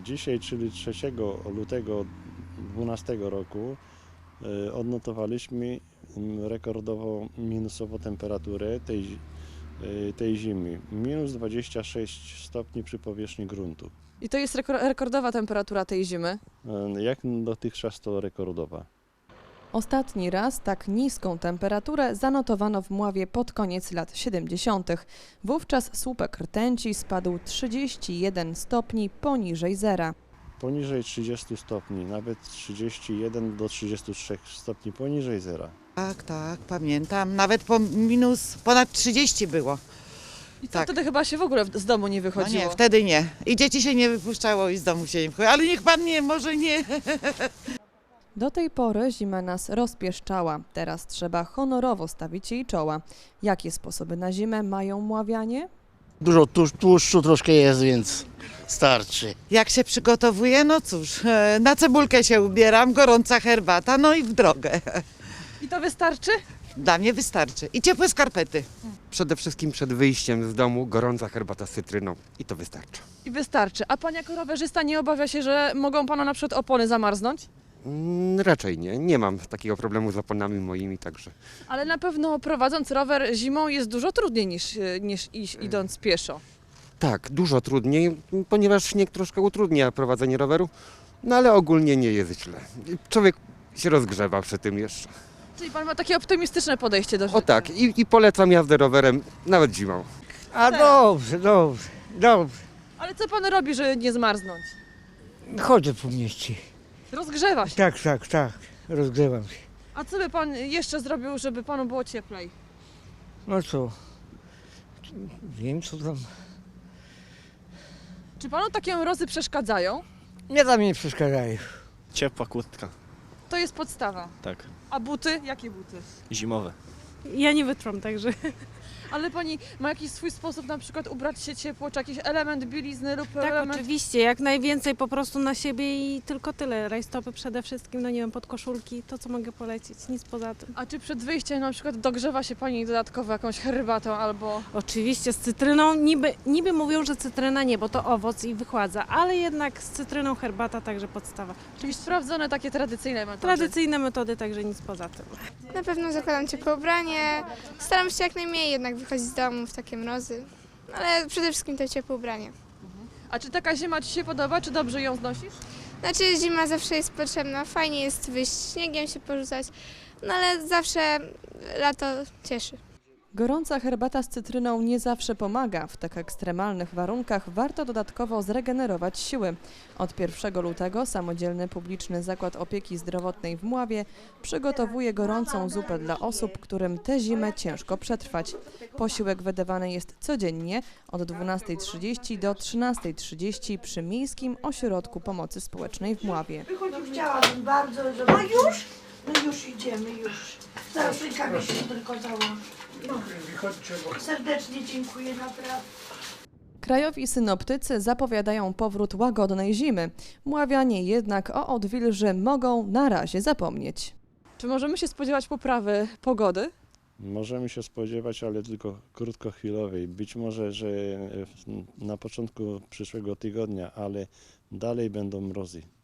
Dzisiaj, czyli 3 lutego 2012 roku, odnotowaliśmy rekordowo minusową temperaturę tej zimy. Minus 26 stopni przy powierzchni gruntu. I to jest rekordowa temperatura tej zimy? Jak dotychczas to rekordowa. Ostatni raz tak niską temperaturę zanotowano w Mławie pod koniec lat 70. Wówczas słupek rtęci spadł 31 stopni poniżej zera. Poniżej 30 stopni, nawet 31 do 33 stopni poniżej zera. Tak, pamiętam. Nawet ponad 30 było. I to Tak. wtedy chyba się w ogóle z domu nie No wychodziło. nie, wtedy nie. I dzieci się nie wypuszczało i z domu się nie wychodziło. Ale niech pan nie, może nie. Do tej pory zima nas rozpieszczała. Teraz trzeba honorowo stawić jej czoła. Jakie sposoby na zimę mają Mławianie? Dużo tłuszczu troszkę jest, więc starczy. Jak się przygotowuję? No cóż, na cebulkę się ubieram, gorąca herbata, no i w drogę. I to wystarczy? Dla mnie wystarczy. I ciepłe skarpety. Przede wszystkim przed wyjściem z domu gorąca herbata z cytryną i to wystarczy. I wystarczy. A pan jako rowerzysta nie obawia się, że mogą pana na przykład opony zamarznąć? Raczej nie. Nie mam takiego problemu z oponami moimi, także Ale na pewno prowadząc rower zimą jest dużo trudniej niż idąc pieszo. tak, dużo trudniej, ponieważ śnieg troszkę utrudnia prowadzenie roweru, no ale ogólnie nie jest źle. Człowiek się rozgrzewa przy tym jeszcze. Czyli pan ma takie optymistyczne podejście do życia. O tak, i polecam jazdę rowerem nawet zimą. A dobrze. Ale co pan robi, żeby nie zmarznąć? Chodzę po mieście. Rozgrzewa się. Tak. Rozgrzewam się. A co by pan jeszcze zrobił, żeby panu było cieplej? No co? Wiem co tam. Czy panu takie mrozy przeszkadzają? Nie tam nie przeszkadzają. Ciepła kurtka, To jest podstawa. tak, A buty? Jakie buty? zimowe. Ja nie wytrwam, także Ale pani ma jakiś swój sposób na przykład ubrać się ciepło, czy jakiś element bielizny lub tak element... oczywiście, jak najwięcej po prostu na siebie i tylko tyle. Rajstopy przede wszystkim, no nie wiem, podkoszulki, to co mogę polecić, nic poza tym. A czy przed wyjściem na przykład dogrzewa się pani dodatkowo jakąś herbatą albo... Oczywiście z cytryną, niby mówią, że cytryna nie, bo to owoc i wychładza, ale jednak z cytryną herbata także podstawa. Czyli sprawdzone takie tradycyjne metody. Tradycyjne metody, także nic poza tym. Na pewno zakładam ciepłe ubranie. Staram się jak najmniej jednak wychodzić z domu w takie mrozy. Ale przede wszystkim to ciepłe ubranie. A czy taka zima ci się podoba, czy dobrze ją znosisz? Znaczy zima zawsze jest potrzebna, fajnie jest wyjść śniegiem się porzucać, no ale zawsze lato cieszy. Gorąca herbata z cytryną nie zawsze pomaga. W tak ekstremalnych warunkach warto dodatkowo zregenerować siły. Od 1 lutego samodzielny publiczny zakład opieki zdrowotnej w Mławie przygotowuje gorącą zupę dla osób, którym tę zimę ciężko przetrwać. Posiłek wydawany jest codziennie od 12:30 do 13:30 przy Miejskim Ośrodku Pomocy Społecznej w Mławie. Chciałabym bardzo, żeby... No już? No już idziemy, już. Zaraz rękami się tylko załam. Serdecznie dziękuję, naprawdę. Krajowi synoptycy zapowiadają powrót łagodnej zimy. Mławianie jednak o odwilży mogą na razie zapomnieć. Czy możemy się spodziewać poprawy pogody? Możemy się spodziewać, ale tylko krótkochwilowej. Być może, że na początku przyszłego tygodnia, ale dalej będą mrozy.